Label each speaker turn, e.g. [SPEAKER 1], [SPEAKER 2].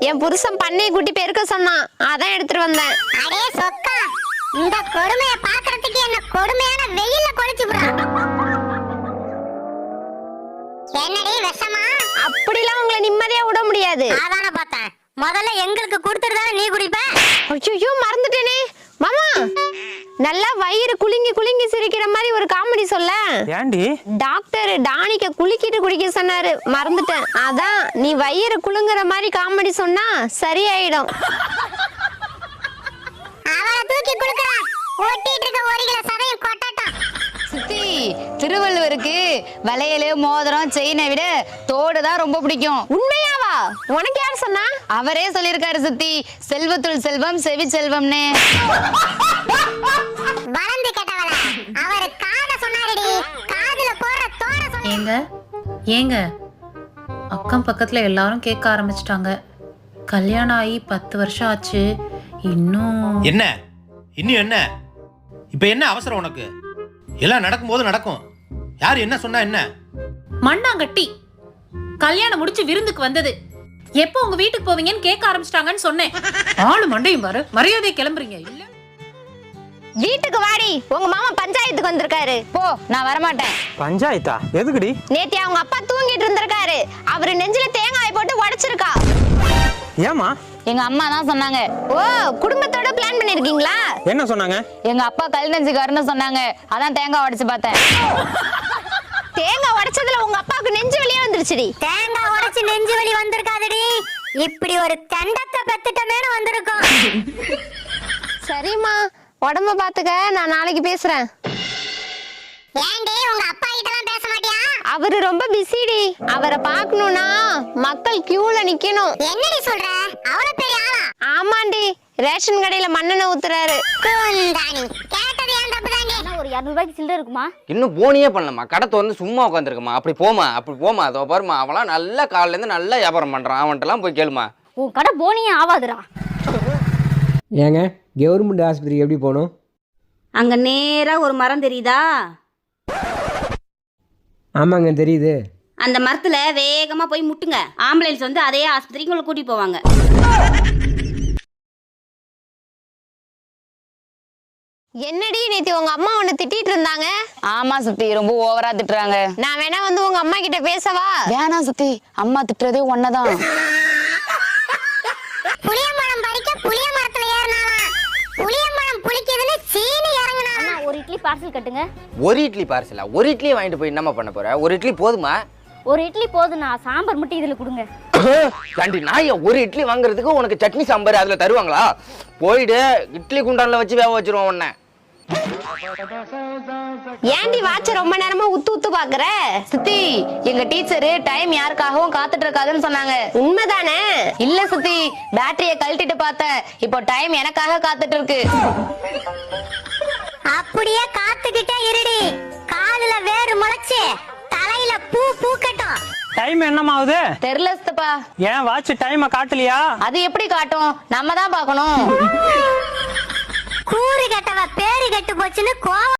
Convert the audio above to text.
[SPEAKER 1] என் புருஷன் பண்ணையை கூட்டி பெருக்க சொன்னான், அதான் எடுத்துட்டு வந்தேன்.
[SPEAKER 2] அடே சொக்கா, இந்த கொடுமையை பார்க்கிறதுக்கு என்ன கொடுமையான வெயில்ல கொளுத்தி விடுறா. என்னடி விஷமா?
[SPEAKER 1] அப்படிலாம் உங்களை நிம்மதியா விட முடியாது.
[SPEAKER 2] அதான பார்த்தேன். முதல்ல எங்களுக்கு கொடுத்துட்டு தானே நீ குடிப்ப.
[SPEAKER 1] ஐயோ மறந்துட்டேனே மாமா. நல்லா வயிறு குலுங்கி குலுங்கி சிரிக்கிற மாதிரி ஒரு காமெடி சொல்ல.
[SPEAKER 3] ஏண்டி?
[SPEAKER 1] டாக்டர் டானிக்க குலுக்கிட்டு குடிக்க சொன்னாரு, மறந்துட்டேன். அதான் நீ வயிறு குலுங்குற மாதிரி காமெடி சொன்னா சரியாயிடும்.
[SPEAKER 2] அவளை தூக்கி குளுக்குறா. ஓட்டிட்டு இருக்க ஒரு கிலோ சதையும் கொட்டட்டும்.
[SPEAKER 4] சித்தி, திருவள்ளுவருக்கு வளையலு மோதிரம் செயினை விட தோடு தான் ரொம்ப பிடிக்கும்.
[SPEAKER 1] உண்மையாவா? உனக்கு யார் சொன்னா?
[SPEAKER 4] அவரே சொல்லிருக்காரு சித்தி, செல்வத்துள் செல்வம் செவி செல்வம்னு.
[SPEAKER 2] வளர்ந்து கேட்டவள, அவரு காத சொன்னாருடி. காதுல போற தோட சொன்னாரு.
[SPEAKER 5] ஏங்க அக்கம் பக்கத்துல எல்லாரும் கேட்க ஆரம்பிச்சிட்டாங்க. கல்யாணம் ஆகி 10 வருஷம் ஆச்சு, இன்னும்
[SPEAKER 6] என்ன இப்ப என்ன அவசரம் உனக்கு? எல்லாம் நடக்கும்போது நடக்கும். யார் என்ன சொன்னா என்ன?
[SPEAKER 5] மண்ணாங்கட்டி கல்யாணம் முடிச்சு விருந்துக்கு வந்தது. எப்போ உங்க வீட்டுக்கு போவீங்கன்னு கேட்க ஆரம்பிச்சிட்டாங்கன்னு சொன்னேன். ஆளு மண்டையும் பாரு, மரியாதையை கிளம்புறீங்க இல்ல?
[SPEAKER 1] வீட்டுக்கு வாடி, உங்க மாமா பஞ்சாயத்துக்கு வந்திருக்காரு.
[SPEAKER 4] போ, நான் வரமாட்டேன்.
[SPEAKER 3] பஞ்சாயத்தா? எதுக்குடி?
[SPEAKER 1] நேத்தி அவங்க அப்பா தூங்கிட்டு இருந்திருக்காரு, அவரு நெஞ்சில தேங்காய் போட்டு உடைச்சிருக்கா.
[SPEAKER 3] ஏமா?
[SPEAKER 4] எங்க அம்மா தான் சொன்னாங்க.
[SPEAKER 1] ஓ, குடும்பத்தோட பிளான் பண்ணிருக்கீங்களா?
[SPEAKER 3] என்ன சொன்னாங்க?
[SPEAKER 4] எங்க அப்பா கல் நெஞ்சுக்காருன்னு சொன்னாங்க, அதான் தேங்காய் உடைச்சு பார்த்தேன்.
[SPEAKER 1] தேங்காய் உடைச்சதுல உங்க அப்பாவுக்கு நெஞ்சு வலியே வந்துருச்சுடி.
[SPEAKER 2] தேங்காய் உடைச்சு நெஞ்சு வலி வந்திருக்காதுடி, இப்படி ஒரு தண்டத்தை பெத்துட்டமேனு வந்திருக்கும்.
[SPEAKER 1] சரிம்மா, உடம்ப பாத்துக்க, நான் நாளைக்கு பேசுறேன்.
[SPEAKER 2] ஏண்டி உங்க அப்பா கிட்டலாம் பேச மாட்டியா?
[SPEAKER 1] அவரு ரொம்ப பிஸிடி. அவரை பார்க்கணும்னா மக்கள் கியூல நிக்கணும்.
[SPEAKER 2] என்னடி சொல்ற? அவ்வளவு பெரிய ஆளா?
[SPEAKER 1] ஆமாண்டி, ரேஷன் கடையில மண்ணெண்ணெய் ஊத்துறாரு.
[SPEAKER 2] குந்தாணி, கேட்டது ஏன் தப்பு தாண்டி?
[SPEAKER 7] ஒரு 200 ரூபாய்க்கு சில்லறை இருக்குமா?
[SPEAKER 8] இன்னும் போனியே பண்ணலமா, கடத்தை வந்து சும்மா உட்காந்துருக்கமா. அப்படி போமா அதோ பாருமா, அவன்லாம் நல்லா காலையில இருந்து நல்லா வியாபாரம் பண்றான். அவன்கிட்டலாம் போய் கேளுமா.
[SPEAKER 7] உன் கடை போனியே ஆவாதுடா.
[SPEAKER 9] ஏங்க கவர்மெண்ட் ஆஸ்பத்திரிக்கு எப்படி போகணும்?
[SPEAKER 7] அங்க நேரா ஒரு மரம் தெரியுதா?
[SPEAKER 9] ஆமாங்க தெரியுது.
[SPEAKER 7] அந்த மரத்துல வேகமா போய் முட்டுங்க. ஆம்புலன்ஸ் வந்து அதே ஆஸ்பத்திரிக்கு உங்களை கூட்டிட்டு போவாங்க.
[SPEAKER 1] என்னடி நேத்தி உங்க அம்மா உன்னை திட்டிட்டு இருந்தாங்க?
[SPEAKER 4] ஆமா சித்தி, ரொம்ப ஓவரா திட்டுறாங்க.
[SPEAKER 1] நான் வேணா வந்து உங்க அம்மா கிட்ட பேசவா?
[SPEAKER 4] வேணாம் சித்தி, அம்மா திட்டுறதே ஒன்னதான்.
[SPEAKER 2] புளியம்பழம் பறிக்க புளிய மரத்துல ஏறினாலாம். புளியம்பழம் புளிக்குதுன்னு சீனி இறங்குனாலாம்.
[SPEAKER 7] ஒரு இட்லி பார்சல் கட்டுங்க.
[SPEAKER 8] ஒரு இட்லி பார்சலா? ஒரு இட்லியை வாங்கிட்டு போய் என்னமா பண்ண போற? ஒரு இட்லி போதுமா?
[SPEAKER 7] ஒரு இட்லி போதுண்ணா, சாம்பார் மட்டும் இதுல கொடுங்க.
[SPEAKER 8] தாண்டி நாய, ஒரு இட்லி வாங்குறதுக்கு உனக்கு சட்னி சாம்பார் அதுல தருவாங்களா? போயிடு, இட்லி குண்டான்ல வச்சு வேக வச்சிருவோம் உன்னை.
[SPEAKER 1] ஏண்டி வாட்ச ரொம்ப நேரமா உத்து பாக்குற?
[SPEAKER 4] சித்தி, எங்க டீச்சரு டைம் யாருக்காகவும் காத்துட்டு இருக்காதுன்னு சொன்னாங்க.
[SPEAKER 1] உண்மைதானே?
[SPEAKER 4] இல்ல சித்தி, பேட்டரிய கழட்டிட்டு பார்த்தேன், இப்போ டைம் எனக்காக காத்துட்டு இருக்கு.
[SPEAKER 2] அப்படியே காத்துக்கிட்டே இருடி. காலுல வேறு முளைச்சு தலையில பூ பூக்கட்டும்.
[SPEAKER 3] டைம் என்னமாவுது?
[SPEAKER 4] தெரியல சித்தப்பா.
[SPEAKER 3] ஏன் வாட்ச் டைமை காட்டலையா?
[SPEAKER 4] அது எப்படி காட்டும்? நம்ம தான் பார்க்கணும்.
[SPEAKER 2] கூறு கெட்டவ பேரு கெட்டு போச்சுன்னு கோவம்